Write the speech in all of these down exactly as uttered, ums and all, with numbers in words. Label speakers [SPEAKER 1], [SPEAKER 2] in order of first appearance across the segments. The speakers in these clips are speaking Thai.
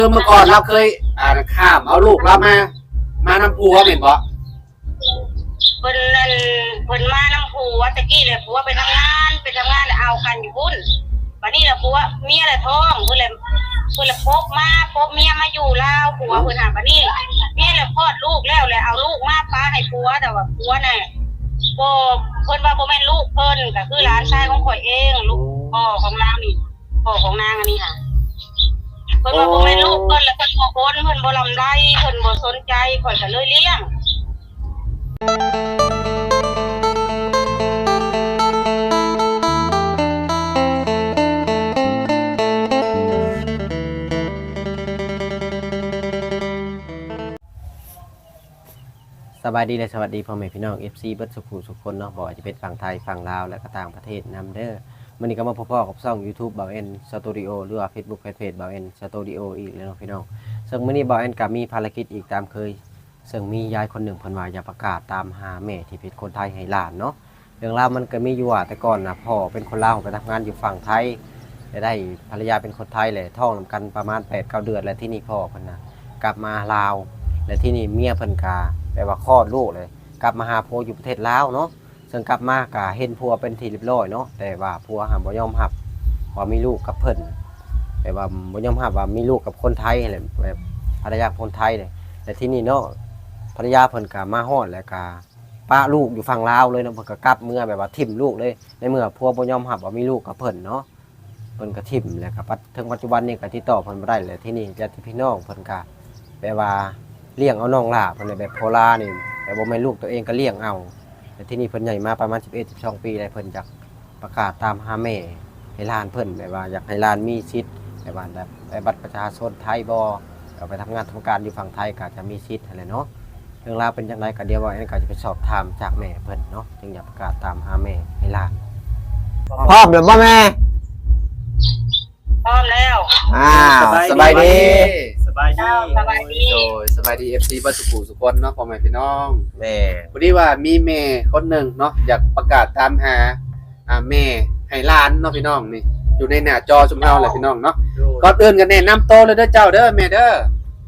[SPEAKER 1] คือเมื่อก่อนเราเคยอ่าข้ามเอาลูกเรามา มานำผัวเห็นบ่
[SPEAKER 2] เพิ่นนั่นเพิ่นมานำผัวตะกี้เลยผัวไปทำงานไปทำงานเอากันอยู่พุ่นบัดนี้ล่ะผัวเมียละท้องเพิ่นเลยเพิ่นเลยพกมาพกเมียมาอยู่ลาวผัวเพิ่นหาบัดนี้เมียเลยคลอดลูกแล้วเลยเอาลูกมาป้าให้ผัวแต่ว่าผัวน่ะบ่เพิ่นว่าบ่แม่นลูกเพิ่นก็คือหลานชายของข่อยเองลูกพ่อของนางนี่พ่อของนางอันนี้ค่ะเพิ่นว่าบ่แม่นลูกเพิ่นแล้วเพิ่นบ่โอนเพิ่นบ่ลำไรเพิ่นบ่สนใจข่อยก็เลยเลี้ยง
[SPEAKER 3] สบายดีและสวัสดีพ่อแม่พี่น้อง เอฟ ซี เบิดสุขุสุขคนเนาะบ่ว่าจะเป็นฝั่งไทยฝั่งลาวและก็ต่างประเทศนำเด้อมื้อนี้ก็มาพบกับช่อง YouTube บ่าวเอ็นสตูดิโอหรือว่า Facebook Fanpage บ่าวเอ็นสตูดิโออีกแล้วเนาะพี่น้องซึ่งมื้อนี้บ่าวเอ็นก็มีภารกิจอีกตามเคยซึ่งมียายคนหนึ่งเพิ่นว่าอยากประกาศตามหาแม่ที่เป็นคนไทยให้หลานเนาะเรื่องราวมันก็มีอยู่ว่าแต่ก่อนน่ะพ่อเป็นคนลาวไปทำงานอยู่ฝั่งไทยได้ภรรยาเป็นคนไทยแหละท้องนำกันประมาณ แปดเก้า เดือนแล้วที่นี่พ่อเพิ่นน่ะกลับมาลาวและที่นี่เมียเพิ่นก็แปลว่าคลอดลูกเลยกลับมาหาผัวอยู่ประเทศลาวเนาะซึ่งกลับมาก็เห็นผัวเป็นที่เรียบร้อยเนาะแต่ว่าผัวห้ามบ่ยอมรับว่ามีลูกกับเพิ่นแต่ว่าบ่ยอมรับว่ามีลูกกับคนไทยแหละแบบภรรยาคนไทยเลยแต่ที่นี่เนาะภรรยาเพิ่นก็มาฮอดแล้วก็ป้าลูกอยู่ฝั่งลาวเลยเนาะเพิ่นก็กลับเมื่อแบบว่าทิ่มลูกเลยในเมื่อผัวบ่ยอมรับว่ามีลูกกับเพิ่นเนาะเพิ่นก็ทิ่มแล้วก็ถึงปัจจุบันนี้ก็ติดต่อเพิ่นบ่ได้เลยที่นี่ญาติพี่น้องเพิ่นก็แบบว่าเลี้ยงเอาน้องหลาเพิ่นแบบโพลานี่แต่บ่แม่นลูกตัวเองก็เลี้ยงเอาแต่ที่นี่เพิ่นใหญ่มาประมาณ สิบเอ็ด สิบสอง ปีแล้วเพิ่นอยากประกาศตามหาแม่ให้หลานเพิ่นแบบว่าอยากให้หลานมีสิทธิ์แบบว่าแบบบัตรประชาชนไทยบ่เอาไปทำงานทำการอยู่ฝั่งไทยก็จะมีสิทธิ์อะไรเนาะเรื่องราวเป็นจังไดก็เดี๋ยวว่าอันนี้ก็จะไปสอบถามจากแม่เพิ่นเนาะจึงอยากประกาศตามหาแม่ให้หลานพร้อมแล้วบ่แม่
[SPEAKER 2] พร้อมแล้ว
[SPEAKER 3] อ่าสบายดี
[SPEAKER 1] สบายดี
[SPEAKER 2] สบายดี
[SPEAKER 1] โดยสบายดี เอฟ ซี เบิดสุขุสุขคนเนาะพ่อแม่พี่น้อง
[SPEAKER 3] แม่
[SPEAKER 1] พอดีว่ามีแม่คนหนึ่งเนาะอยากประกาศตามหาอ่าแม่ให้หลานเนาะพี่น้องนี่อยู่ในหน้าจอชุมเฮาแหละพี่น้องเนาะก่อนอื่นกันแนะนำโตเลยเด้อเจ้าเด้อแม่เด้อ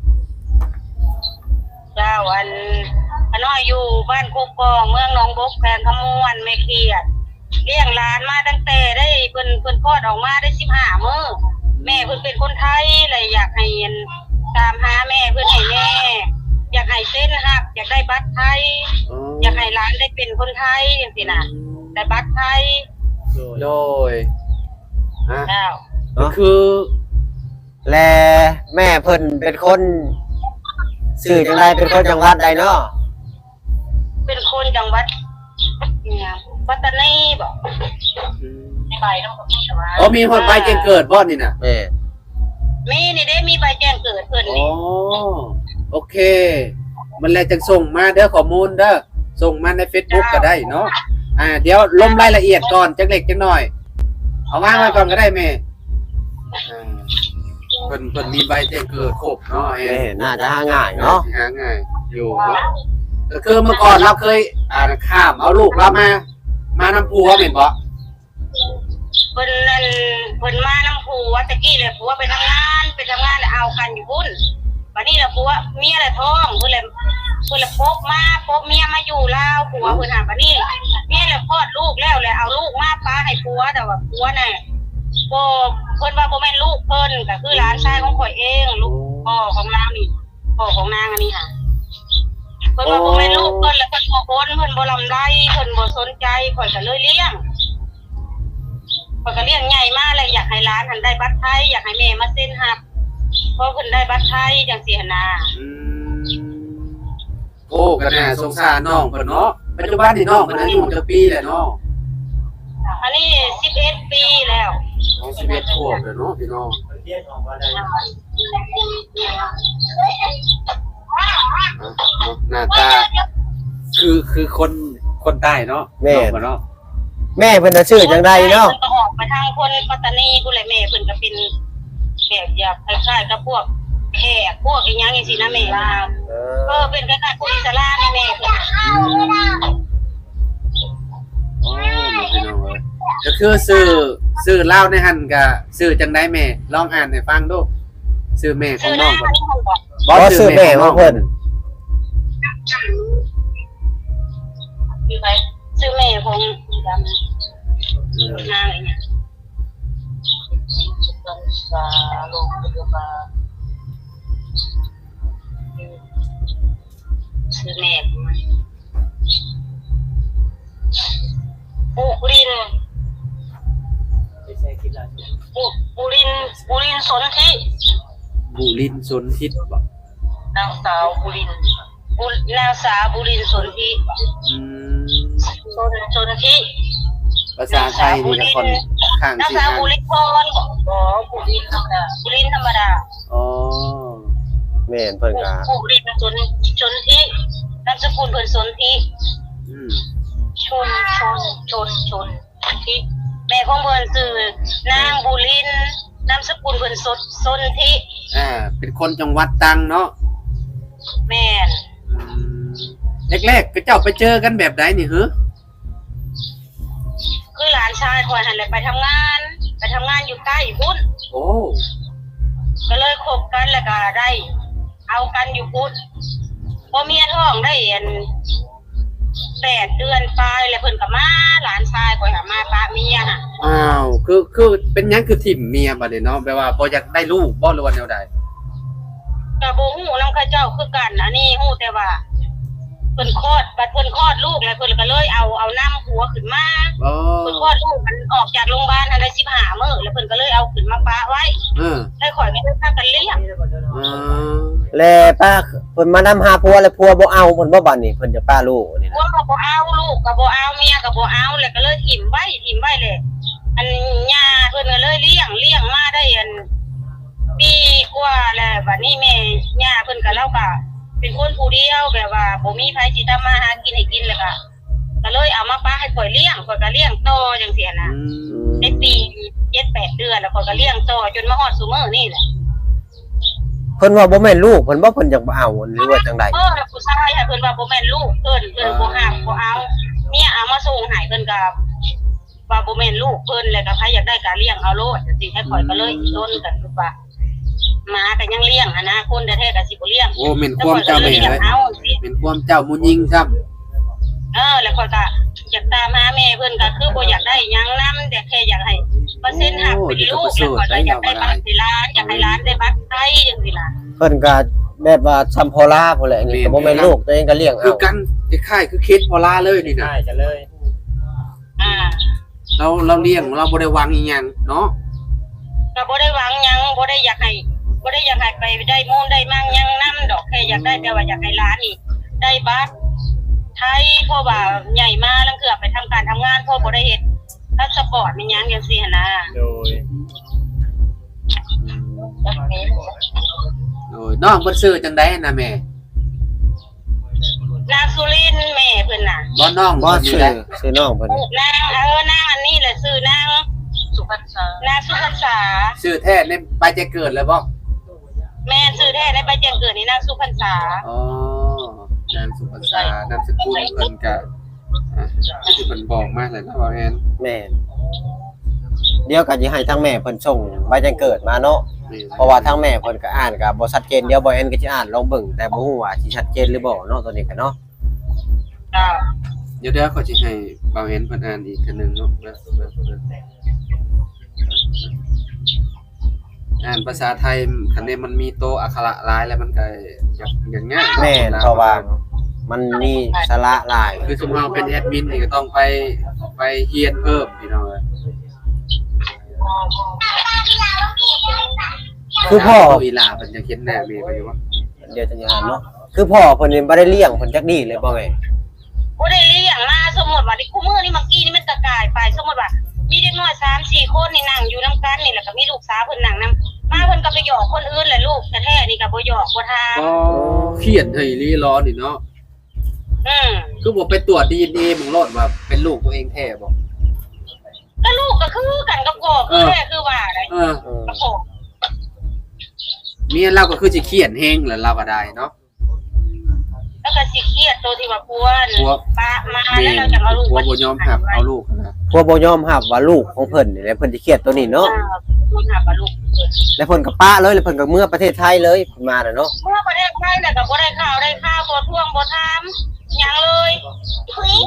[SPEAKER 2] เจ้าอันอันน้อยอยู่บ้านโคกกองเมืองหนองบกแขวงขมวนแม่เขียดเลี้ยงหลานมาตั้งแต่ได้เพิ่นเพิ่นคลอดออกมาได้สิบห้ามื้อแม่เพิ่นเป็นคนไทยเลยอยากให้ตามหาแม่เพิ่นให้แม่อยากให้เส้นหักอยากได้บัตรไทยอยากให้หลานได้เป็นคนไทยจังซี่น่ะได้บัตรไทย
[SPEAKER 1] โดยฮะ
[SPEAKER 2] เจ้า
[SPEAKER 1] ก็คือ
[SPEAKER 3] แลแม่เพิ่นเป็นคนสื่อจังไดเป็นคนจังหวัดใดเนาะ
[SPEAKER 2] เป็นคนจังหวัดเนี่ยปัตตานีบ่ในใบนำก็มีว่า
[SPEAKER 1] อ๋อมีคนไปแจ้งเกิดบ่นี่น่ะ
[SPEAKER 3] แม่
[SPEAKER 2] มีนี่ได้มีใบแจ้งเกิดเพิ่น
[SPEAKER 1] นี่
[SPEAKER 2] อ๋อ
[SPEAKER 1] โอเคมันแล้วจังส่งมาเด้อข้อมูลเด้อส่งมาใน Facebook ก็ได้เนาะอ่าเดี๋ยวลงรายละเอียดก่อนจักเล็กจักน้อยเอาวางไว้ก่อนก็ได้แม่อ่าเพิ่นเพิ่นมีใบแจ้งเกิดครบเนาะ
[SPEAKER 3] แม่น่าจะหาง่ายเนาะ
[SPEAKER 1] หาง่ายอยู่เนาะก็คือเมื่อก่อนเราเคยอ่าข้ามเอาลูกเรามา มานำผัวเห็นบ่
[SPEAKER 2] เพิ่นนั่นเพิ่นมานำผัวตะกี้เลยผัวไปทำงานไปทำงานเอากันอยู่พุ่นบัดนี้ล่ะผัวเมียละท้องเพิ่นเลยเพิ่นเลยพกมาพกเมียมาอยู่ลาวผัวเพิ่นหาบัดนี้เมียเลยคลอดลูกแล้วเลยเอาลูกมาป้าให้ผัวแต่ว่าผัวน่ะบ่เพิ่นว่าบ่แม่นลูกเพิ่นก็คือหลานชายของข่อยเองลูกพ่อของนางนี่พ่อของนางอันนี้ค่ะเพิ่นว่าบ่แม่นลูกเพิ่นแล้วเพิ่นบ่โอนเพิ่นบ่ลำไรเพิ่นบ่สนใจข่อยก็เลยเลี้ยงข่อยก็เลี้ยงใหญ่มากเลยอยากให้หลานหันได้บัตรไทยอยากให้แม่มาเซ็นรับเพราะเพิ่นได้บัตรไทยจังซี่หั่นน่ะ
[SPEAKER 1] อืมโอ้ก็น่าสงสารน้องเพิ่นเนาะปัจจุบันนี่น้องเพิ่นอายุจักปีแล้วเนาะ
[SPEAKER 2] อันนี้สิบเอ็ดปีแล้ว
[SPEAKER 1] อ๋อสิบเอ็ดขวบแล้วเนาะพี่น้องเรียนออกมาได้หน้าตาคือคือคนคนใต้เนาะ
[SPEAKER 3] แม่
[SPEAKER 1] เนาะ
[SPEAKER 3] แม่เพิ่นน่ะชื่อจังไดเนาะ
[SPEAKER 2] ออกมาทางคนปัตตานีผู้ใดแม่เพิ่นก็เป็นแบบอยากคล้ายๆกับพวกแขกพวกอีหยังจังซี่นะแม่ว่าเออเป็นคล้ายๆพวกอิสลามแม่เพิ่น
[SPEAKER 1] โอ้พี่น้องเอ้ยก็คือชื่อชื่อเล่าในหั่นก็ชื่อจังได๋แม่ลองอ่านให้ฟังดูชื่อแม่ขอ
[SPEAKER 2] ชื่
[SPEAKER 1] ง
[SPEAKER 2] อ
[SPEAKER 1] น้
[SPEAKER 2] นา
[SPEAKER 1] อง
[SPEAKER 2] ง
[SPEAKER 1] เพิ่น
[SPEAKER 2] นี่ของบอก
[SPEAKER 3] บ่ซื้อแม่ของเพิ่น
[SPEAKER 2] คือไปชื่อแม่ของดำ
[SPEAKER 1] เออน
[SPEAKER 2] างไอ้เนี่ยตันสาลงพยาบาลชื่อแม่ของมันปุรินปุปุรินปุรินสนธิ
[SPEAKER 1] บุรินทร์สนทิศบ่
[SPEAKER 2] นางสาวบุรินบุนางสาวบุรินสนธิ
[SPEAKER 1] อืม
[SPEAKER 2] สนสนธิ
[SPEAKER 1] ภาษาไทยนี่ก็คนข้าง
[SPEAKER 2] นาง
[SPEAKER 1] สิ
[SPEAKER 2] สาว
[SPEAKER 1] อ่าน
[SPEAKER 2] บุริพรอ๋อบุรินธรรมดาบุรินธรรมดา
[SPEAKER 1] อ๋อ
[SPEAKER 3] แม่นเพิ่นก็
[SPEAKER 2] บุรินสนสนธินามสกุลเพิ่นสนธิ
[SPEAKER 1] อืม
[SPEAKER 2] ชนชนชนชนธิแม่ของเพิ่นคือนางบุรินนามสกุลเพิ่นสดสนธิ
[SPEAKER 1] อ่าเป็นคนจังหวัดตรังเนาะ
[SPEAKER 2] แม่น
[SPEAKER 1] อืมแรกๆก็เจ้าไปเจอกันแบบใดนี่เหรอ
[SPEAKER 2] คือหลานชายคอยหันเลยไปทำงาน ไปทำงานอยู่ใต้พุ่น
[SPEAKER 1] โอ้
[SPEAKER 2] ก็เลยคบกันแล้วก็ได้ เอากันอยู่พุ่นพอเมียท้องได้อันแปดเดือนปลายแล้วเพิ่นก็มาหลานชายคอยหามาปะเมียน่ะ
[SPEAKER 1] อ้าวคือคือเป็นหยังคือถิ่มเมียบัดนี้เนาะแปลว่าบ่อยากได้ลูกบ่หรือว่าแนวใด
[SPEAKER 2] ก็บ่ฮู้นำเขาเจ้าคือกันอันนี้ฮู้แต่ว่าเพิ่นคลอดบัดเพิ่นคลอดลูกแล้วเพิ่นก็เลยเอาเอาน้ำหัวขึ้นมา
[SPEAKER 1] อ๋อ
[SPEAKER 2] เพิ่นคลอดลูกมันออกจากโรงพยาบาลทันได้สิบห้ามื้อแล้วเพิ่นก็เลยเอาขึ้นมาปะไว้
[SPEAKER 1] เออ
[SPEAKER 2] ให้ข่อยก็ได้พากันเลี้ยง
[SPEAKER 1] อ๋อ
[SPEAKER 3] แลป้าเพิ่นมานำหาผัวแล้วผัวบ่เอาเพิ่นบ่บัดนี้เพิ่นจะป้าลูกนี่
[SPEAKER 2] พว
[SPEAKER 3] นะ
[SPEAKER 2] กก็บ่เอาลูกก็บ่เอาเมียก็บ่เอาแล้วก็เลยถิ่มไว้ถิ่มไว้เลยอันย่าเพิ่นก็เลยเลี้ยงเลี้ยงมาได้อันปีกว่าแล้วบัดนี้แม่ย่าเพิ่นก็เล่าก็เป็นคนผู้เดียวแบบว่าบ่มีไผสิทำมาหากินให้กินแล้วก็ก็เลยเอามาป้าให้ข่อยเลี้ยงข่อยก็เลี้ยงต่อจังซี่นะ
[SPEAKER 1] อืม
[SPEAKER 2] ในปีเจ็ดแปดเดือนแล้วข่อยก็เลี้ยงต่อจนมาฮอดซุมื้อนี่แหละ
[SPEAKER 3] เพิ่นว่าบ่แม่นลูกเพิ่นบ่เพิ่นอยากบ่เอาหรือว่าจังได๋
[SPEAKER 2] เออแล้วผู้ชายให้เพิ่นว่าบ่แม่นลูกเพิ่นเพิ่นบ่ห้ามบ่เอาเมียเอามาส่งให้เพิ่นก็ว่าบ่แม่นลูกเพิ่นแล้วก็ใครอยากได้ก็เลี้ยงเอาโลดจังซี่ให้ข่อยก็เลยโดนกันคือว่าหมาก็ยังเลี้ยงอะนะคนแท้ๆก็สิบ่เลี้ยง
[SPEAKER 1] โอ้เป็นความเจ้าแม่เลย
[SPEAKER 2] เอาสิ
[SPEAKER 1] เป็นความเจ้ามุยิงซ้ำ
[SPEAKER 2] เออแล้วข่อยก็อยากตามหาแม่เพิ่นก็คือบ่อยากได้หยังนำแต่แค่อยากให้เปอร์เซ็นต์หักเป็นลูกแล้วข่อยก็อยากได้บัตรที่ร้านอยากให้ร้านได้บัตรไทยจังซี่ล่ะ
[SPEAKER 3] เพิ่นก็แบบว่าซัมพอลาพุ่นแหละนี่ก็บ่แม่นลูกตัวเองก็เลี้ยง
[SPEAKER 1] คื
[SPEAKER 3] เอา
[SPEAKER 1] อกันคล้ายๆคือเคสพอลาเลยนี่นะ
[SPEAKER 4] ใช่จะเลย
[SPEAKER 2] อ่า
[SPEAKER 1] เราเราเลี้ยงเราบ่ได้วางอีหยังเนาะ
[SPEAKER 2] ก็บ่ได้หวังหยังบ่ได้อยากให้บ่ได้อยากให้ไปได้มูลได้มั่งหยังนำดอกแค่อยากได้แต่ว่าอยากให้ร้านนี่ได้บัตรไทยเพราะว่าใหญ่มาลังเกือไปทำการทำงานเพราะบ่ได้เฮ็ดพาสปอร์ตมีหยังจังซี่หั่นนะ
[SPEAKER 4] โดย
[SPEAKER 1] โอ้ยน้องเพิ่นซื้อจังได๋นะแม่
[SPEAKER 2] นางสุรินทร์แม่เพิ่นน่ะ
[SPEAKER 1] บ่น้อง
[SPEAKER 3] บ่
[SPEAKER 1] เพิ่นนี่
[SPEAKER 3] ชื่อ
[SPEAKER 1] แหละ
[SPEAKER 3] ชื่อน้องเพิ่น
[SPEAKER 2] นางเออนางอันนี้แหละชื่อนางสุพรรษานางสุพรรษา
[SPEAKER 1] ซื้อแท้ในไปจะเกิดแล้วบ่
[SPEAKER 2] แม่ชื่อแท้ในใบแจ้งเกิดนี่นางสุพรรษา
[SPEAKER 1] อ๋อนามสุภาษานามสกุลเพิ่นก็อ่ะที่เพิ่นบอกมาเลยนะว่าแม่น
[SPEAKER 3] แม่นเดี๋ยวก็สิให้ทางแม่เพิ่นส่งใบแจ้งเกิดมาเนาะ
[SPEAKER 1] นี่
[SPEAKER 3] เพราะว่าทางแม่เพิ่นก็อ่านก็บ่ชัดเจนเดี๋ยวบ่แอนก็สิอ่านลองเบิ่งแต่บ่ฮู้ว่าสิชัดเจนหรือบ่เนาะตัวนี้ก็เนาะ
[SPEAKER 2] อ่า
[SPEAKER 1] เดี๋ยวเดี๋ยวเขาสิให้บ่าวเห็นเพิ่นอ่านอีกเทื่อนึงเนาะเบิ่งเบิ่งเบิ่งอ่านภาษาไทยคันนี้มันมีโตอักขระหลายแล้วมันก็อยากอย่างง่าย
[SPEAKER 3] แม่นเพราะว่ามันมีสาระหลาย
[SPEAKER 1] คือสมมุติเราเป็นแอดมินนี่ก็ต้องไปไปเรียนเพิ่มพี่น้องเอ้ย
[SPEAKER 3] คือพ่อ
[SPEAKER 1] อีหลาเพิ่นจะเขียนแน่แม่ไปอยู่ว่า
[SPEAKER 3] เดี๋ยวจะอ่านเนาะคือพ่อเพิ่นนี่บ่ได้เลี้ยงเพิ่นจักดีเลยบ่แม่
[SPEAKER 2] บ่ได้เลี้ยงมาสมมุติว่าที่คู่มือนี่เมื่อกี้นี่มันกระกายไปสมมุติว่ามีเด็กน้อย สามสี่ คนนี่นั่งอยู่นำกันนี่แล้วก็มีลูกสาวเพิ่นนั่งนำมาเพิ่นก็ไปหยอกคนอื่นแหละลูกแท้ๆนี่ก็บ่หยอกบ่ถาม
[SPEAKER 1] อ๋อเขียนให้ลีร้อนนี่เนาะ
[SPEAKER 2] อืม
[SPEAKER 1] คือบ่ไปตรวจ ดี เอ็น เอ มึงโลดว่าเป็นลูกตัวเองแท้บ่
[SPEAKER 2] ก็ลูกก็คือกันกับพ่อคือแท้คือว่าได้
[SPEAKER 1] เออ
[SPEAKER 3] เออ
[SPEAKER 2] กับพ่อ
[SPEAKER 1] เมียเราก็คือสิเขียนเฮงแล้วเราก็ได้เนาะ
[SPEAKER 2] แล้วก็สิเครียดตัวที่ว่าปวน
[SPEAKER 1] กลัว
[SPEAKER 2] ปะมา
[SPEAKER 1] แม่
[SPEAKER 2] แล้วเราจะเอาลูก
[SPEAKER 1] กลัวบ่ยอมรับเอาลูกนะ
[SPEAKER 3] พวกบ่ยอมรับว่าลูกของเพิ่นนี่แหละเพิ่นสิเครียดตัวนี้เนาะ
[SPEAKER 2] เคนหาปลาลูก
[SPEAKER 3] แล้วเพิ่นก็ปะเลยแล้วเพิ่นก็เมื่อประเทศไทยเลยเพิ่นมาน่ะเนาะ
[SPEAKER 2] เมื่อประเทศไทยน่ะก็บ่ได้ข่าวได้ข่าวบ่ท่วงบ่ถามหยังเลยคุย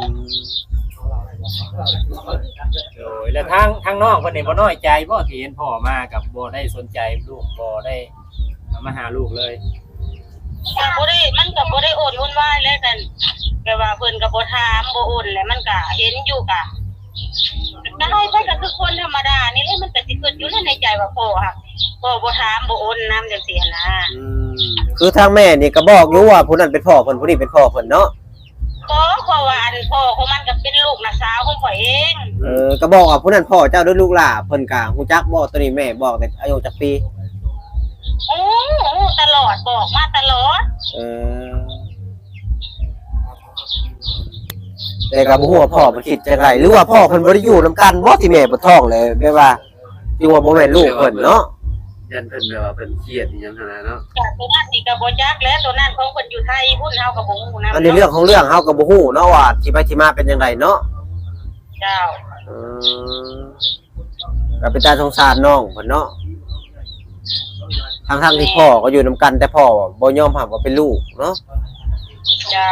[SPEAKER 4] โดยแล้วทางทางน้องเพิ่นนี่บ่น้อยใจบ่ที่เห็นพ่อมากับบ่ได้สนใจลูกบ่ได้มาหาลูกเลย
[SPEAKER 2] ก็บ่ได้มันก็บ่ได้โอนวุ่นวายแล้วกันแต่ว่าเพิ่นก็บ่ถามบ่โอนแล้วมันก็เห็นอยู่กะได้ไปก็คือคนธรรมดานี่แหละมันก็สิเกิดอยู่ในใจว่าพ่อค่ะพ่อบ่ถามบ่โอนนำจังซี่นะ
[SPEAKER 1] อืม
[SPEAKER 3] คือทางแม่นี่ก็บอกอยู่ว่าผู้นั้นเป็นพ่อเพิ่นผู้นี้เป็นพ่อเพิ่นเนาะ
[SPEAKER 2] ก็เพราะว่าอันพ่อของมันก็เป็นลูกน้าสาวของข่อยเอง
[SPEAKER 3] เออก็บอกว่าผู้นั้นพ่อเจ้าด้วยลูกหล่าเพิ่นก็ฮู้จักบ่ตัวนี้แม่บอกแต่อายุจักปี
[SPEAKER 2] โอ้ตลอดบอกมาตลอด
[SPEAKER 3] เออแต่ก็บ่ฮู้ว่าพ่อเพิ่นคิดจังไดหรือว่าพ่อเพิ่นบ่ได้อยู่นํกันบ่ที่แม่บ่ท้องเลยแบบว่าที่ว่าบ่แม่นลูกเพิ่นเนาะ
[SPEAKER 1] ยันเพิ่นแบบว่าเพิ่นเครียดอีหยังขนาดเนาะ
[SPEAKER 2] จากตัวนั้นนี่ก็บ่จักแล้วตัวนั้นของเพิ่นอยู่ไทยพุ่นเฮาก็บ่ฮู้นำ
[SPEAKER 3] อันนี้เรื่องของเรื่องเฮาก็บ่ฮู้เนาะว่าที่ไปที่มาเป็นจังไดเนาะ
[SPEAKER 2] เจ้า
[SPEAKER 3] เออก็เป็นตาสงสารน้องเพิ่นเนาะทั้งๆที่พ่อก็อยู่นํกันแต่พ่อบ่ยอมรับว่าเป็นลูกเนาะ
[SPEAKER 2] เจ้า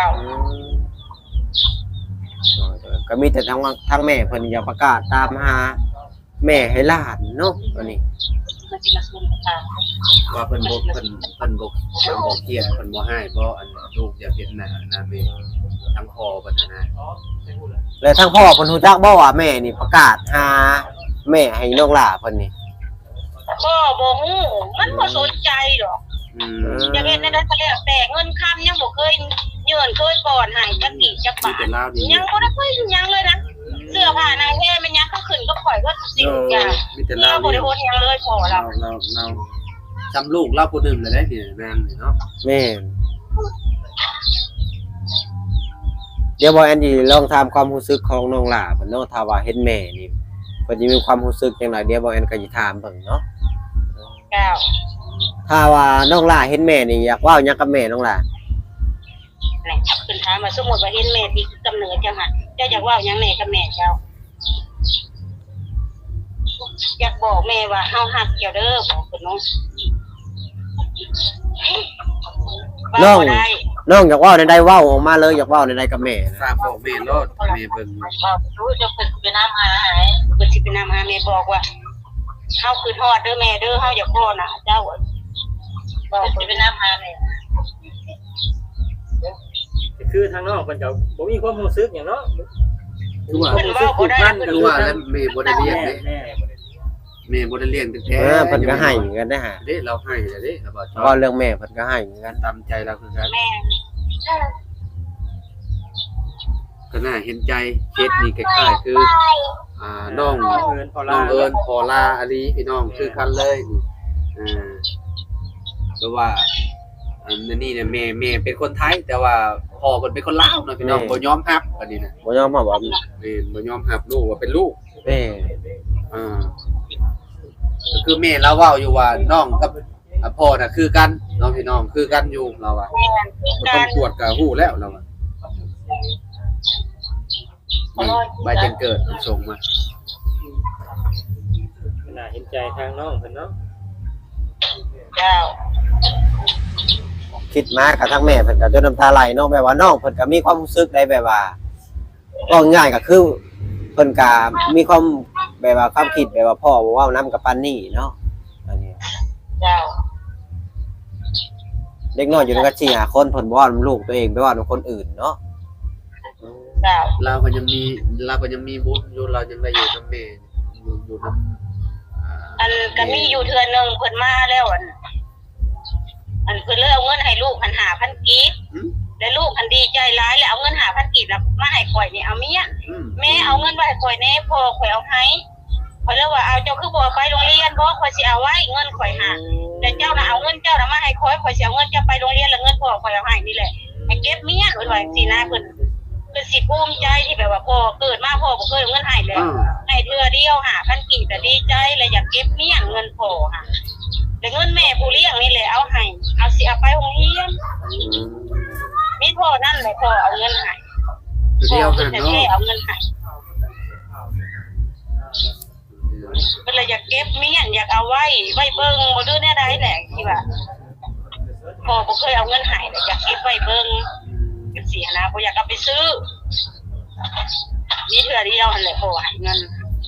[SPEAKER 3] ก็มีแต่ทางว่าทางแม่เพิ่นอยากประกาศตามหาแม่ให้หลานเนาะอันนี้
[SPEAKER 2] มันสิมาซุ่มค่ะ
[SPEAKER 1] ว่าเพิ่นบ่เพิ่นเพิ่นบ่เพิ่นบ่เครียดเพิ่นบ่ให้บ่อันลูกอยากเห็นหน้าหน้าแม่ทั้งพ่อเพิ่นนะ
[SPEAKER 3] แล้วทางพ่อเพิ่นฮู้จักบ่ว่าแม่นี่ประกาศหาแม่ให้น้องหลาเพิ่นนี่
[SPEAKER 2] ก็บ่ฮู้มันบ่สนใจดอก
[SPEAKER 1] อืม
[SPEAKER 2] จะเฮ็ดได้ก็แล้วแต่เงินค้ำยังบ่เคยเยื่นเคยก่อนให้จักกี่จักบาทยังบ่ได้เคยยังเลยนะเสื้อผ้านางแท้มันยังก็ขึ้นก็ข่อยก็สิ่งอย่าง
[SPEAKER 1] มีแต่
[SPEAKER 2] เรา
[SPEAKER 1] เรา
[SPEAKER 2] บ่ได้โอนยังเลยพอ
[SPEAKER 1] เรา
[SPEAKER 2] เรา
[SPEAKER 1] เราเราจำลูกเราผู้หนึงเลยได้นี่แม่นนี่เนาะ
[SPEAKER 3] แม่นเดี๋ยวบ่แอนดี้ลองถามความรู้สึกของน้องหลาเพิ่นเนาะถ้าว่าเห็นแม่นี่เพิ่นสิมีความรู้สึกจังไดเดี๋ยวบ่แอนก็สิถามเบิ่งเนาะ
[SPEAKER 2] เจ้า
[SPEAKER 3] ถ้าว่าน้องหลาเห็นแม่นี่อยากเว้าหยังกับแม่น้องหลา
[SPEAKER 2] นี่ขึ้นถามว่าสมมุติว่าเห็นแม่ที่กำเนิดจังหั่นเจ้าอยากเว้าหยังแม่กับแม่เจ้าอยากบอกแม่ว่าเฮาฮักเจ้าเด้อบอกเพิ่นเนาะ
[SPEAKER 3] น้อง
[SPEAKER 2] เว้าได้
[SPEAKER 3] น้องอยากเว้าใดๆเว้าออกมาเลยอยากเว้าใดๆกับแม่นะ
[SPEAKER 1] ฝากบอกแม่โลดแม่เบิ่ง
[SPEAKER 2] บอกรู้จะเพิ่นไปนำหาให้เพิ่นสิไปนำหาแม่บอกว่าเฮาคือฮอดเด้อแม่เด้อเฮาอยากพ่อนะเจ้าบอกเพิ่นสิไปนำหาแม่
[SPEAKER 4] ก็คือทางน้องเพิ่นก็บ่มีความรู้สึกหยังเนาะ
[SPEAKER 1] คือว่า
[SPEAKER 4] ความรู้สึกผูกพันกัน
[SPEAKER 1] คือว่าแล้วแม่บ่ได้เลี้ยงเด้
[SPEAKER 4] แม่
[SPEAKER 1] แม่บ่ได้เลี้ยงตั้งแต่
[SPEAKER 3] เออเพิ่นก็ให้เหมือนกันนะฮะ
[SPEAKER 1] เด้เราให้แล้วเด้ครับบ่ชอ
[SPEAKER 3] ก็
[SPEAKER 1] บ
[SPEAKER 3] เรื่องแม่เพิ่นก็ให้เหมือนกัน
[SPEAKER 1] ตามใจเราคือกัน
[SPEAKER 2] แม่
[SPEAKER 1] ก็น่าเห็นใจเคสนี้คล้ายๆคืออ่าน้อง
[SPEAKER 4] เอิ้นพอ
[SPEAKER 1] น้
[SPEAKER 4] ลา
[SPEAKER 1] องเอิญพอลาอาลีพี่น้องคือกันเลยนี่อ่าเพราะว่าอันนี้เนี่ยแม่แม่เป็นคนไทย แต่ว่าพ่อเพิ่นเป็นคนลาวเนาะพี่น้องบ่ยอมรับอันนี้นะ
[SPEAKER 3] บ่ยอมรับว่า
[SPEAKER 1] แม่นบ่ยอมรับลูกว่าเป็นลูก
[SPEAKER 3] แม่
[SPEAKER 1] อ่าก็คือแม่เราเว้าอยู่ว่าน้องกับอ่าพ่อน่ะคือกันเน้องพี่น้องคือกันอยู่เราว่า
[SPEAKER 2] แม่คือ
[SPEAKER 1] บ่
[SPEAKER 2] กา
[SPEAKER 1] ต้อง
[SPEAKER 2] ร
[SPEAKER 1] ตรวจก็ฮู้แล้วเราว่านี่ใบแจ้งเกิดส่งมา
[SPEAKER 4] น่าเห็นใจทางน้องเพิ่นเนาะ
[SPEAKER 2] เจ้า
[SPEAKER 3] คิดมากับทั้งแม่เพิ่นก็จนน้ำตาไหลเนาะแบบว่าน้องเพิ่นก็มีความรู้สึกได้แบบว่าก็ง่ายก็คือเพิ่นก็มีความแบบว่าความคิดแบบว่าพ่อบ่เว้านำกับปานนี้เนาะอันนี้
[SPEAKER 2] เจ้า
[SPEAKER 3] เด็กน้อยอยู่กันสี่ ห้าคนเพิ่นบ่เว้านำลูกตัวเองไปเว้านำคนอื่นเนาะ
[SPEAKER 2] เจ้า
[SPEAKER 1] เราก็ยังมีเราก็ยังมีบุญอยู่เรายังได้อยู่นำแม่อยู่อยู่นำ
[SPEAKER 2] อันก็มีอยู่เทื่อนึงเพิ่นมาแล้วอันอันเพิ่นเลยเอาเงินให้ลูกหันห้าพันกีบแล้วลูกอันดีใจร้ายแล้วเอาเงินห้าพันกีบแล้วมาให้ข่อยนี่เอาเมียแม่เอาเงินมาให้ข่อยแน่พ่อข่อยเอาให้ข่อยเลยว่าเอาเจ้าคือบ่ไปโรงเรียนบ่ข่อยสิเอาไว้เงินข่อยหาแต่เจ้าน่ะเอาเงินเจ้าน่ะมาให้ข่อยข่อยสิเอาเงินเจ้าไปโรงเรียนแล้วเงินพ่อข่อยเอาให้นี่แหละให้เก็บเมียเพิ่นว่าจังซี่นะเพิ่นเพิ่นสิภูมิใจที่แบบว่าพ่อเกิดมาพ่อบ่เคยเอาเงินให้เลยให้เทื่อเดียวห้าพันกีบก็ดีใจแล้วอยากเก็บเมียเงินพ่อค่ะแต่เงินแม่ผู้เลี้ยงนี่แหละเอาให้เอาสิเอาไปโรงเรียนมีพ่อนั่นแหละพ่อเอาเงินให้
[SPEAKER 1] คือเดียว
[SPEAKER 2] พ่
[SPEAKER 1] กั
[SPEAKER 2] อน เพิ่น
[SPEAKER 1] เนาะ
[SPEAKER 2] แท้ๆเอาเงินให้เพิ่นเลยอยากเก็บเมียนอยากเอาไว้ไว้เบิ่งบ่ดื้อแน่ใดแหละที่ว่าพ่อบ่เคยเอาเงินให้เลยอยากเก็บไว้เบิ่งจังซี่นะบ่อยากเอาไปซื้อมีเทื่อเดียวหั่นแหละพ่อให้เงิน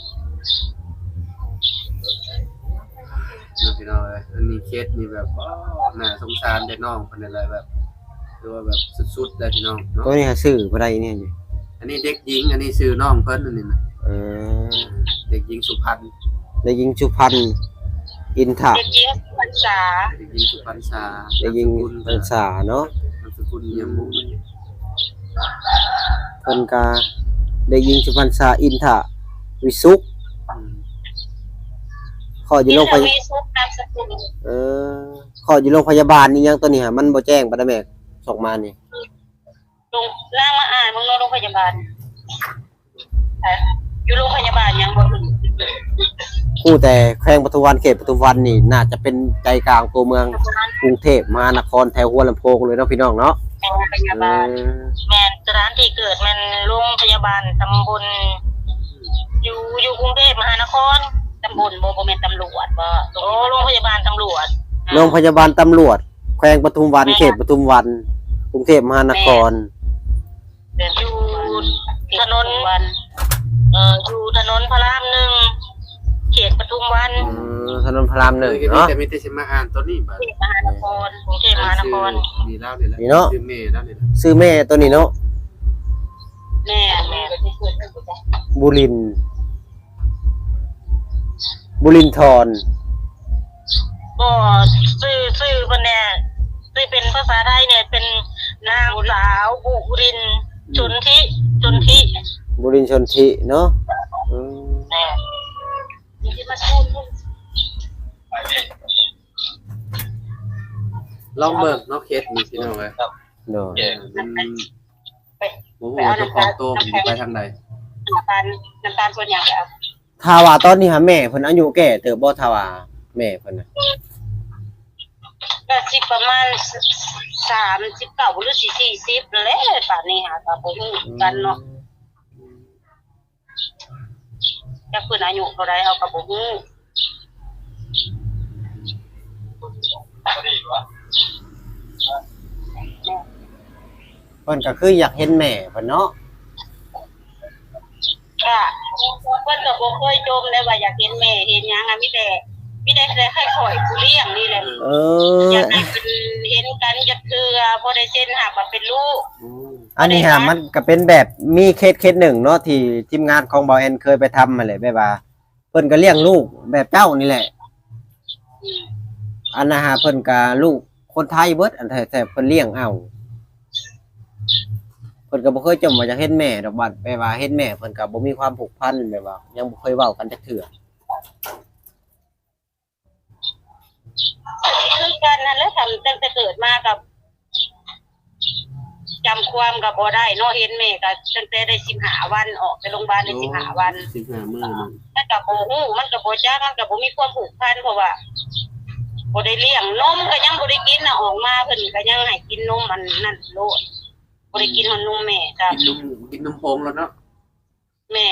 [SPEAKER 1] น้องพี่น้องเอ้ยอันนี้เคสนี่แบบว้าวน่าสงสารเด็กน้องคนนั้นเลยแบบคือว่าแบบสุดๆเลยพี่น้องเนาะ
[SPEAKER 3] ตัวนี้หาซื้อบ่ได้เนี่ยอยู่
[SPEAKER 1] อันนี้เด็กหญิงอันนี้ชื่อน้องเพิ่นอันนี้นะ
[SPEAKER 3] เออ
[SPEAKER 1] เด็กหญิงสุพรรณ
[SPEAKER 3] ได้ยิงสุพรรณอินทะ
[SPEAKER 2] เด็กหญิงพรรษา
[SPEAKER 1] เด็กหญิงสุพรรณษา
[SPEAKER 3] ได้ยิงพรรษาเนาะ
[SPEAKER 1] นามสกุลเยี่ยมมุก
[SPEAKER 3] เพิ่นก็ได้ยิงสุพรรณษาอินทะวิสุข
[SPEAKER 1] อืม
[SPEAKER 3] ขออยู่โรงพยาบาล
[SPEAKER 2] มีซุปนามสกุล
[SPEAKER 3] เออขออยู่โรงพยาบาลนี่ยังตัวนี้ฮะมันบ่แจ้งบ่ได้แม่ส่งมานี่
[SPEAKER 2] ลงนางมาอ่านมึงโรงพยาบาลอยู่โรงพยาบาลยังบ่ถึง
[SPEAKER 3] กู้แต่แขวงปทุมวันเขตปทุมวันนี่น่าจะเป็นใจกลางตัวเมืองกรุงเทพมหานครแถวหัวลำโพงเลยเนาะพี่น้องเนาะ
[SPEAKER 2] โรงพยาบาลแม่นสถานที่เกิดมันโรงพยาบาลตำบลอยู่อยู่กรุงเทพมหานครตำบลบ่บ่แม่นตำรวจบ่โอ้โรงพยาบาลตำรวจ
[SPEAKER 3] โรงพยาบาลตำรวจแขวงปทุมวันเขตปทุมวันกรุงเทพมหานคร
[SPEAKER 2] อยู่ถนนวันเอ่ออยู่ถนนพระรามหนึ่งเขตปทุมวัน
[SPEAKER 3] อืมถนนพระรามหนึ่ง
[SPEAKER 1] เนาะ
[SPEAKER 3] เนาะ
[SPEAKER 1] แต่มีแต่สิมาอ่านตัวนี้บัด
[SPEAKER 2] เขตมหานครกรุงเทพมหานคร
[SPEAKER 1] มีแล้วนี่แหละ
[SPEAKER 3] นี่เนาะ
[SPEAKER 1] ชื่อเมย์แล้วนี่แหละ
[SPEAKER 3] ซื้อแม่ตัวนี้เนาะ
[SPEAKER 2] แม่แม่
[SPEAKER 3] บุรินทร์บุรินทร
[SPEAKER 2] ก็ชื่อชื่อเพิ่นเนี่ยชื่อเป็นภาษาไทยเนี่ยเป็นนางสาวบุรินทร์ชนทิชนทิ
[SPEAKER 3] บุรินทร์ชนทิเนาะอืม
[SPEAKER 2] แม่ที่มาพูด
[SPEAKER 1] ลองเบิ่งเนาะเคสนี่พี่น้องเอ้ย
[SPEAKER 3] เนาะ
[SPEAKER 1] เออมันบ่ฮู้ว่าเจ้าของโตมันสิไปทางใด
[SPEAKER 2] น้ำตาลน้ำตาลส่วนใหญ่แล้ว
[SPEAKER 3] ถ้าว่าตอนนี้หาแม่เพิ่นอายุแก่เติบบ่ถ้าว่าแม่เพิ่นน่ะ
[SPEAKER 2] ก็สิประมาณสามสิบเก้าหรือสี่สี่สิบแล้วป่านนี้หาก็บ่ฮู้กันเนาะจักเพิ่นอายุเท่าใดเฮาก็บ่ฮู้
[SPEAKER 3] เพิ่นก็คืออยากเห็นแม่เพิ่นเนาะ
[SPEAKER 2] ค่ะเพิ่นก็บ่เคยจมเลยว่าอยากเห็นแม่เห็นหยังอ่ะมีแต่มีแต่แต่ให้ข่อยผู้เลี้ยงนี่แหละ
[SPEAKER 3] เอ
[SPEAKER 2] อ
[SPEAKER 3] อ
[SPEAKER 2] ยากให้เป็นเห็นกันจักเทื่อบ่ได้เซ็นหักว่าเป็นลูก
[SPEAKER 1] อืม
[SPEAKER 3] อันนี้ฮะมันก็เป็นแบบมีเคสเคสหนึ่งเนาะที่ทีมงานของบอแอนเคยไปทำมาเลยแบบว่าเพิ่นก็เลี้ยงลูกแบบเจ้านี่แหละ
[SPEAKER 2] อืม
[SPEAKER 3] อันนะฮะเพิ่นก็ลูกคนไทยเบิดอันแต่แต่เพิ่นเลี้ยงเอาเพิ่นก็บ่เคยจมว่าจะเห็นแม่ดอกบัดแบบว่าเห็นแม่เพิ่นก็บ่มีความผูกพันแบบว่ายังบ่เคยเว้ากันจักเทื่อ
[SPEAKER 2] คือกันนั่นแหละทำตั้งแต่เกิดมากับจำความก็บ่ได้เนาะเห็นแม่ก็ตั้งแต่ได้สิบห้าวันออกไปโรงพยาบาลได้สิบห้าวัน
[SPEAKER 1] สิบห้ามื้อนึง
[SPEAKER 2] มันก็บ่ฮู้มันก็บ่จักมันก็บ่มีความผูกพันเพราะว่าบ่ได้เลี้ยงนมก็ยังบ่ได้กินน่ะออกมาเพิ่นก็ยังให้กินนมมันนั่นโลดบ่ได้กินมันนมแม่ครับ
[SPEAKER 1] กินนมกินนมโพงแล้วเนาะ
[SPEAKER 2] แม่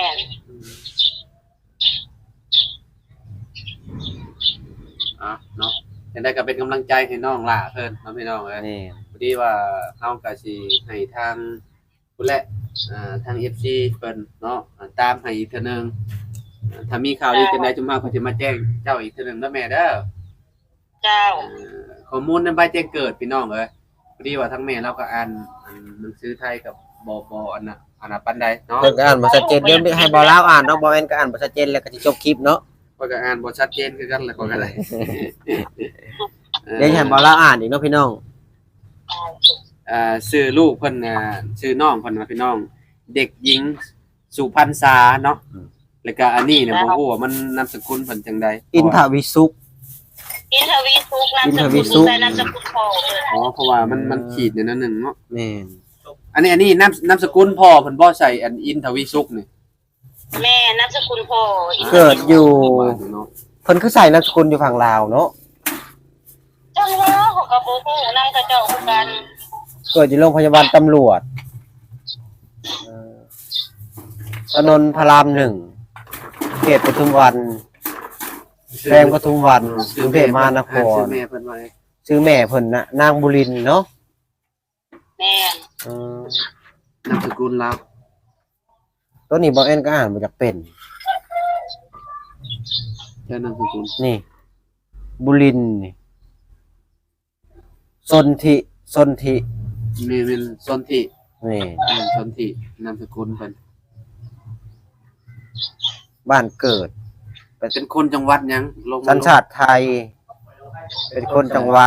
[SPEAKER 1] อ่ะเนาะยังได้ก็เป็นกำลังใจให้น้องล่ะเพิ่นเนาะพี่น้องเอ้ย
[SPEAKER 3] นี่
[SPEAKER 1] พอดีว่าเฮาก็สิให้ทางผู้และอ่าทาง เอฟ ซี เพิ่นเนาะอ่าตามให้อีกเทื่อนึงอ่าถ้ามีข่าวดีจังได๋จุมมาก็สิมาแจ้งเจ้าอีกเทื่อนึงเด้อแม่เด้อ
[SPEAKER 2] เจ้า
[SPEAKER 1] อ่าข้อมูลนำใบแจ้งเกิดพี่น้องเอ้ยพอดีว่าทั้งแม่เราก็อ่านอ่านหนังสือไทยกับบ่บ่อันน่ะอันน่ะปานใดเนาะ
[SPEAKER 3] เพิ่นก็อ่านบ่ชัดเจนเดี๋ยวให้บ่ลาวอ่านเนาะบ่แม่นก็อ่านบ่ชัดเจนแล้วก็สิจบคลิปเนาะ
[SPEAKER 1] ข้อยก็อ่านบ่ชัดเจนคือกันแหละข้อยก็ได้
[SPEAKER 3] เดี๋ยวให้บ่ลาวอ่านอีกเนาะพี่น้อง
[SPEAKER 1] อ่าชื่อลูกเพิ่นน่ะชื่อน้องเพิ่นว่าพี่น้อง เด็กหญิงสุพรรณษาเนาะแล้วก็อันนี้เนี่ยบ่ฮู้ว่ามันนามสกุลเพิ่นจังใด
[SPEAKER 3] อินทวิสุข
[SPEAKER 2] อินทวีสุขนามส
[SPEAKER 3] อินทวี
[SPEAKER 2] กุล
[SPEAKER 3] สุข
[SPEAKER 2] แต่นามสกุลพ่อเลย
[SPEAKER 1] อ๋อเพราะว่ามันมันขีดเนี่ยนั่นหนึงเนาะ
[SPEAKER 3] แม่น
[SPEAKER 1] อันนี้อันนี้นามนามสกุลพ่อเพิ่นบ่ใส่อันอินทวีสุขนี่
[SPEAKER 2] แม่นามสกุลพ่ออินทวีสุข
[SPEAKER 3] เกิดอยู่
[SPEAKER 1] เนาะ
[SPEAKER 3] เพิ่นคือใส่นามสกุลอยู่ฝั่งลาวเนาะ
[SPEAKER 2] จังว่าเขาก็บ่ฮู้นำเขาเจ้าคือกัน
[SPEAKER 3] เกิดอยู่โรงพยาบาลตำรวจเอ่อถนนพระรามหนึ่งเขตปทุมวันแพงปทุมวันกรุงเทพมหานค
[SPEAKER 1] ชื่
[SPEAKER 3] ร
[SPEAKER 1] อแม่เพิ่นว่าไง
[SPEAKER 3] ชื่อแม่เพิ่นน่ะนางบุรินทร์เนาะ
[SPEAKER 2] แม่น
[SPEAKER 3] อืม
[SPEAKER 1] นามสกุลลาว
[SPEAKER 3] ตัวนี้บ่แอนก็อ่านบ่จักเป็น
[SPEAKER 1] เจ้านามสกุล
[SPEAKER 3] นี่ บุรินทร์นี่สนธิสนธิ
[SPEAKER 1] แม่เป็นสนธิ
[SPEAKER 3] นี่
[SPEAKER 1] แม่นสนธินามสกุลเพิ่น
[SPEAKER 3] บ้านเกิด
[SPEAKER 1] เป็นคนจังหวัดหยังลงมา
[SPEAKER 3] สัญชาติไทย เป็นคนจังหวัด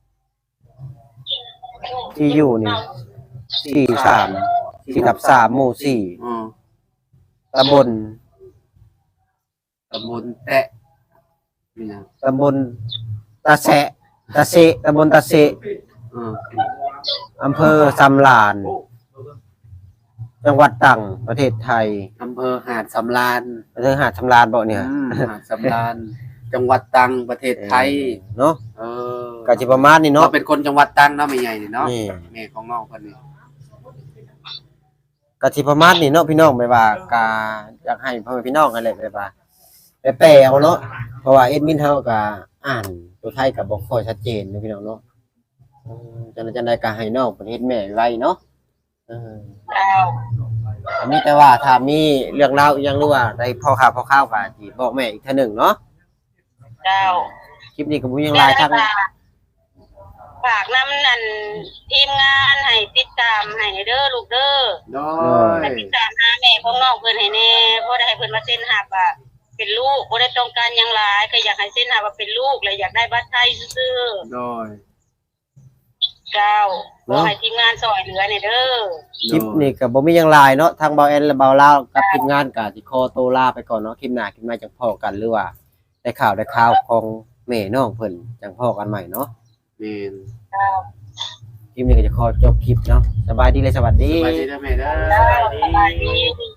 [SPEAKER 3] ที่อยู่นี่สี่สามสี่ทับสามหมู่สี่
[SPEAKER 1] อ๋อ
[SPEAKER 3] ตำบล
[SPEAKER 1] ตำบลแตะนี่หยัง
[SPEAKER 3] ตำบลตาแสะตาเสะตำบลตาเสะ
[SPEAKER 1] อ๋อ
[SPEAKER 3] อำเภอสำลาน จังหวัดตรังประเทศไทย
[SPEAKER 1] อำเภอหาดสำราญ
[SPEAKER 3] ประเทศหาดสำลานบ่เนี่ย
[SPEAKER 1] อืมหาดสำราญจังหวัดตรังประเทศไทย
[SPEAKER 3] เนาะ
[SPEAKER 1] เออ
[SPEAKER 3] ก็สิประมาณนี้
[SPEAKER 1] เนาะ
[SPEAKER 3] เนาะ
[SPEAKER 1] เป็นคนจังหวัดตรังเนาะแม่ใหญ่นี่เนาะ
[SPEAKER 3] นี่
[SPEAKER 1] แม่ของน้องเพิ่นนี่
[SPEAKER 3] ก็สิประมาณนี้เนาะพี่น้องไปว่ากาอยากให้พ่อแม่พี่น้องกันเลยไปว่าไปแปลเอาเนาะเพราะว่าเอ็ดมินเฮาก็อ่านตัวไทยก็บ่ค่อยชัดเจนเนาะพี่น้องเนาะอืมจังได๋จังได๋ก็ให้น้องเพิ่นเฮ็ดแม่ไว้เนาะเออ
[SPEAKER 2] เจ้า
[SPEAKER 3] อันนี้แต่ว่าถ้ามีเรื่องราวอีหยังหรือว่าได้พ่อข่าวพ่อข่าวก็สิบอกแม่อีกเทื่อหนึงเนาะ
[SPEAKER 2] เจ้า
[SPEAKER 3] คลิปนี้ก็บ่มีหยังหลายทั้ง
[SPEAKER 2] ฝากน้ำนั่นทีมงานให้ติดตามให้เด้อลูกเด้อ
[SPEAKER 1] โดย
[SPEAKER 2] ให้ติดตามหาแม่ของน้องเพิ่นให้แน่เพราะได้ให้เพิ่นมาเซ็นหับอ่ะเป็นลูกบ่ได้ต้องการหยังหลายก็อยากให้เซ็นหับว่าเป็นลูกเลยอยากได้บัตรไทยซื่อ
[SPEAKER 1] โดย
[SPEAKER 2] ๆเจ้าขอให้ทีมงานซอยเหลือให้เด้อ
[SPEAKER 3] คลิปนี้ก็บ่มีหยังหลายเนาะทางเบาแอนและเบาลาวกับทีมงานก็สิขอตัวลาไปก่อนเนาะคลิปหน้าคลิปหน้าจังพ้อกันหรือว่าได้ข่าวได้ข่าวของแม่น้องเพิ่นจังพ้อกันใหม่เนาะ
[SPEAKER 1] แม่น
[SPEAKER 2] เจ้า
[SPEAKER 3] คลิปนี้ก็จะขอจบคลิปเนาะสบายดีเลยสวัสดี
[SPEAKER 1] สบายดีนะแม่เด้อ
[SPEAKER 2] เจ้าสบายดี